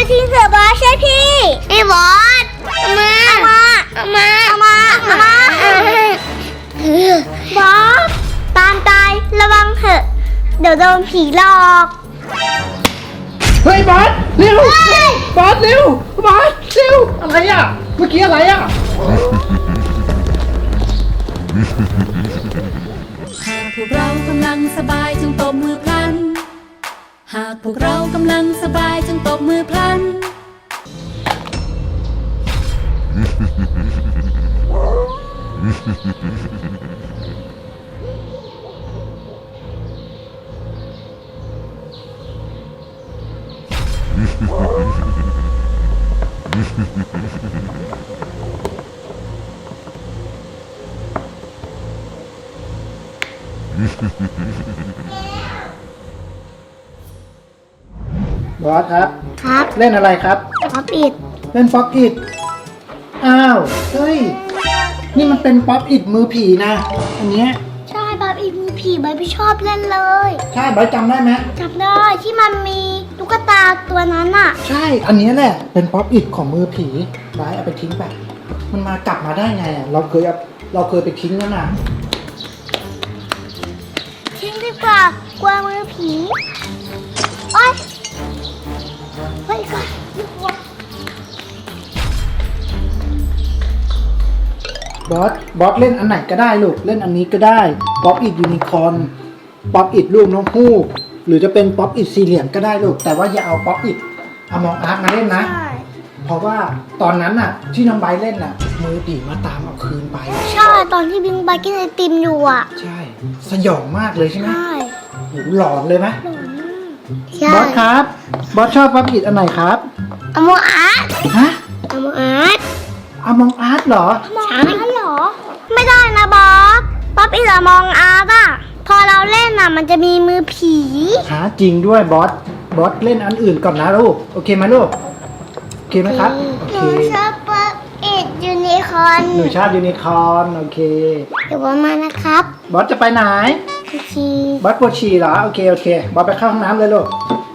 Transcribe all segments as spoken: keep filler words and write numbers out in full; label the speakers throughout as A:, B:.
A: ทิ้งเถอะบอสใช่พี่ไอ้บอสมามามามามาบอสตามตายระวังเถอะเดี๋ยวโดนผีหลอก
B: เฮ้ยบอสเร็วบอสเร็วบอสเร็วอะไรอ่ะเมื่อกี้อะไรอ่ะ
C: หากพวกเรากำลังสบายจงตบมือพลันหากพวกเรากำลังสบายจงตบมือพลัน
B: บอสครับ
A: ครับ
B: เล่นอะไรครับ
A: ป๊อปอิด
B: เล่นป๊อปอิดอ้าวเฮ้ยนี่มันเป็นป๊อปอิดมือผีนะอันเนี้ย
A: ใช่ป๊อปอิดมือผีใบพี่ชอบเล่นเลย
B: ใช่ใบจำได้ไหม
A: จำได้ที่มันมีตุ๊กตาตัวนั้นอ่ะ
B: ใช่อันนี้แหละเป็นป๊อปอิดของมือผีใบเอาไปทิ้งไปมันมากลับมาได้ไงอ่ะเราเคยเราเคยไปทิ้งนั่นน่ะ
A: ทิ้งดีกว่ากลัวมือผีโอ๊ยเฮ้ยก่อน
B: บอสบอสเล่นอันไหนก็ได้ลูกเล่นอันนี้ก็ได้ป๊อปอิดยูนิคอร์นป๊อปอิดรูปนกฮูกหรือจะเป็นป๊อปอิดสี่เหลี่ยมก็ได้ลูกแต่ว่าอย่าเอาป๊อปอิดอมองอาร์ตมาเล่นนะเพราะว่าตอนนั้นน่ะที่น้องใบเล่นน่ะมือผีมาตามเอาคืนไป
A: ใช่ตอนที่บิงใบกินไอติมอยู่อ่ะ
B: ใช่สยองมากเลยใช่ไหม
A: ใช่
B: โหหลอนเลยไหม
A: หลอนมาก
B: บอสครับบอสชอบป๊อปอิดอันไหนครับ
A: อมองอาร์ต
B: ฮะ
A: อมองอาร์ต
B: อมองอาร์ตเหรอ
A: อมองอาร์ตเหรอไม่ได้นะบอสป๊อปอิดอมองอาร์ตอ่ะพอเราเล่นน่ะมันจะมีมือผี
B: หาจริงด้วยบอสบอสเล่นอันอื่นก่อนนะลูกโอเคไหมลูกโอเคไหมครับโอเค
A: หนูชอบป๊อปอิดยูนิคอร์น
B: หนูชอบยูนิคอร์นโอเค
A: เดี๋ยวบอสมานะครับ
B: บอสจะไปไหน
A: ฉี่
B: บอสปวดฉี่เหรอโอเคโอเคบอสไปเข้าห้องน้ำเลยลูก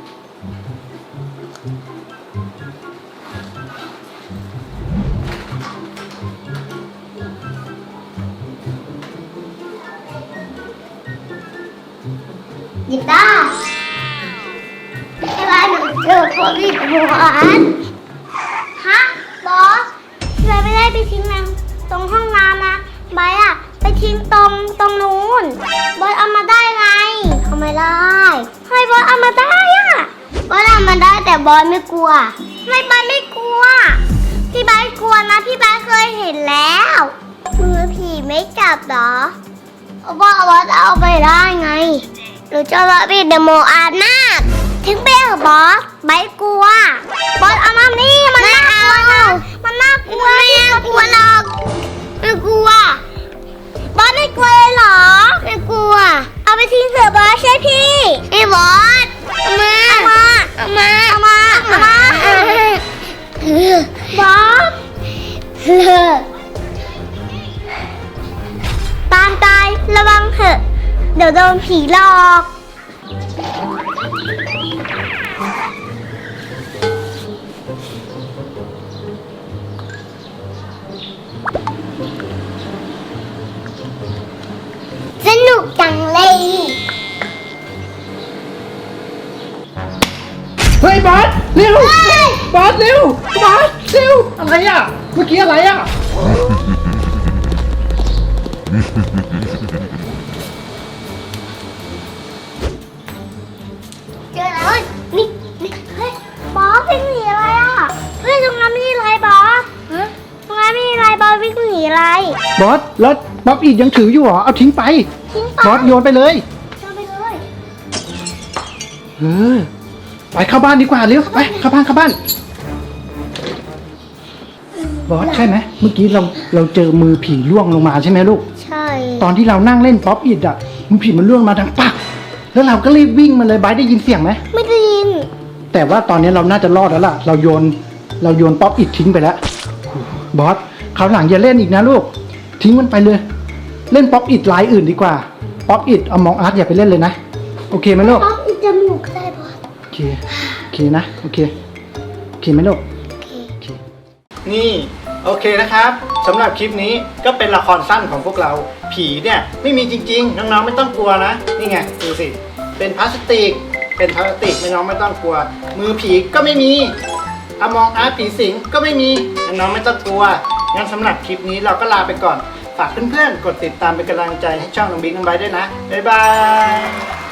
A: ยิบตาเวลาหนูเจอป๊อปอิดหัวอันฮะบอสพี่ใบไม่ได้ไปทิ้งน้ำตรงห้องน้ำนะใบอะไปทิ้งตรงตรงนู้นบอสเอามาได้ไงเอาไม่ได้ทำไมบอสเอามาได้อะบอสเอามาได้แต่บอสไม่กลัวไม่บอสไม่กลัวพี่ใบกลัวนะพี่ใบเคยเห็นแล้วมือผีไม่จับหรอบอสบอสเอาไปได้ไงหนูจะมาปิดเดโมอาร์ตมากทิ้งไปเหรอบอสใบกลัวบอสเอามานี่มันน่ากลัวนะมันน่ากลัวไม่น่ากลัวหรอกไม่กลัวบอสไม่กลัวเลยเหรอไม่กลัวเอาไปทิ้งเถอะบอสใช่พี่ไอ้บอสเอามาเอามาเอามาเอามาบอสตามตายระวังเถอะเดี๋ยวโดนผีหลอกสนุกจังเลย
B: เฮ้ยบอสเร็วบอสเร็วบอสเร็วอะไรอ่ะเมื่อกี้อะไรอ่ะ
A: เจอแล้วนี่นี่เฮ้ยบอสวิ่งหนีอะไรอ่ะเฮ้ยตรงนั้นมีอะไรบอสตรงนั้นมีอะไรบอสวิ่งหนีอะไร
B: บอสแล้วบ๊อบอีกยังถืออยู่เหรอเอาทิ้งไป
A: ทิ้งไป
B: บอสโยนไปเลย
A: โยนไปเลย
B: เออไปเข้าบ้านดีกว่าเร็วไปเข้าบ้านเข้าบ้านบอสใช่ไหมเมื่อกี้เราเราเจอมือผีล่วงลงมาใช่ไหมลูก
A: ใช่
B: ตอนที่เรานั่งเล่นป๊อปอิดอ่ะมือผีมันล่วงมาดังปักแล้วเราก็รีบวิ่งมาเลยบายได้ยินเสียงไหม
A: ไม่ได้ยิน
B: แต่ว่าตอนนี้เราน่าจะรอดแล้วล่ะเราโยนเราโยนป๊อปอิดทิ้งไปแล้วบอสคราวหลังอย่าเล่นอีกนะลูกทิ้งมันไปเลยเล่นป๊อปอิดลายอื่นดีกว่าป๊อปอิดเอามองอาร์ตอย่าไปเล่นเลยนะโอเคไหมลูก
A: ป๊อปอิดจมูกได้บอส
B: โอเคโอเคนะโอเคโอเคเคไหมลูกโอเคนี่โอเคนะครับสำหรับคลิปนี้ก็เป็นละครสั้นของพวกเราผีเนี่ยไม่มีจริงๆน้องๆไม่ต้องกลัวนะนี่ไงดูสิเป็นพลาสติกเป็นพลาสติกไม่น้องไม่ต้องกลัวมือผีก็ไม่มีอมองอาร์ตผีสิงก็ไม่มีน้องไม่ต้องกลัวงั้นสำหรับคลิปนี้เราก็ลาไปก่อนฝากเพื่อนๆกดติดตามเป็นกำลังใจให้ช่องน้องบิ๊กน้องไบร์ทด้วยนะบ๊ายบาย